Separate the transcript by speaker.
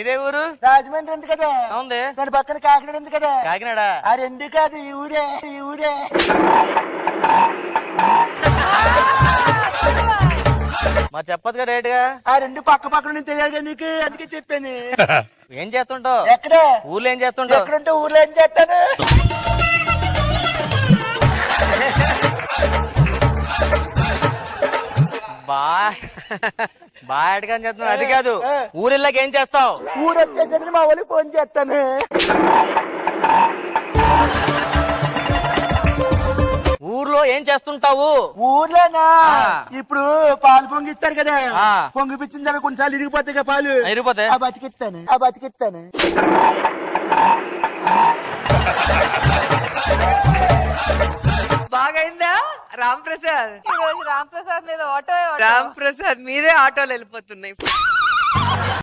Speaker 1: నీదే ఊరు?
Speaker 2: రాజమండ్రి ఉంది కదా.
Speaker 1: ఉంది.
Speaker 2: దాని పక్కన కాకినాడ ఉంది కదా.
Speaker 1: కాకినాడ.
Speaker 2: ఆ రెండు కాదు, ఈ ఊరే.
Speaker 1: మరి చెప్పొచ్చు కదా డైరెక్ట్ గా.
Speaker 2: ఆ రెండు పక్క పక్కన తెలియదు నీకు, అందుకే చెప్పాను.
Speaker 1: ఏం చేస్తుంటావు?
Speaker 2: ఎక్కడ
Speaker 1: ఊర్లో ఏం చేస్తుంటావు?
Speaker 2: ఎక్కడుంటే ఊర్లో ఏం చేస్తాను.
Speaker 1: బాగా అడగాని చెప్తున్నావు. అది కాదు, ఊరిళ్ళకి ఏం చేస్తావు?
Speaker 2: ఊరు వచ్చేసరికి మా వాళ్ళకి ఫోన్ చేస్తాను.
Speaker 1: ఊర్లో ఏం చేస్తుంటావు?
Speaker 2: ఊర్లోనా? ఇప్పుడు పాలు పొంగిస్తారు కదా, పొంగిపించిన తర్వాత కొన్నిసార్లు ఇరిగిపోతాయి కదా పాలు.
Speaker 1: ఇరిగిపోతాయి.
Speaker 2: ఆ బతికిస్తాను.
Speaker 3: బాగైందా రామ్ ప్రసాద్?
Speaker 4: రామ్ ప్రసాద్ మీద ఆటో
Speaker 3: రామ్ ప్రసాద్ మీదే ఆటోలు వెళ్ళిపోతున్నాయి.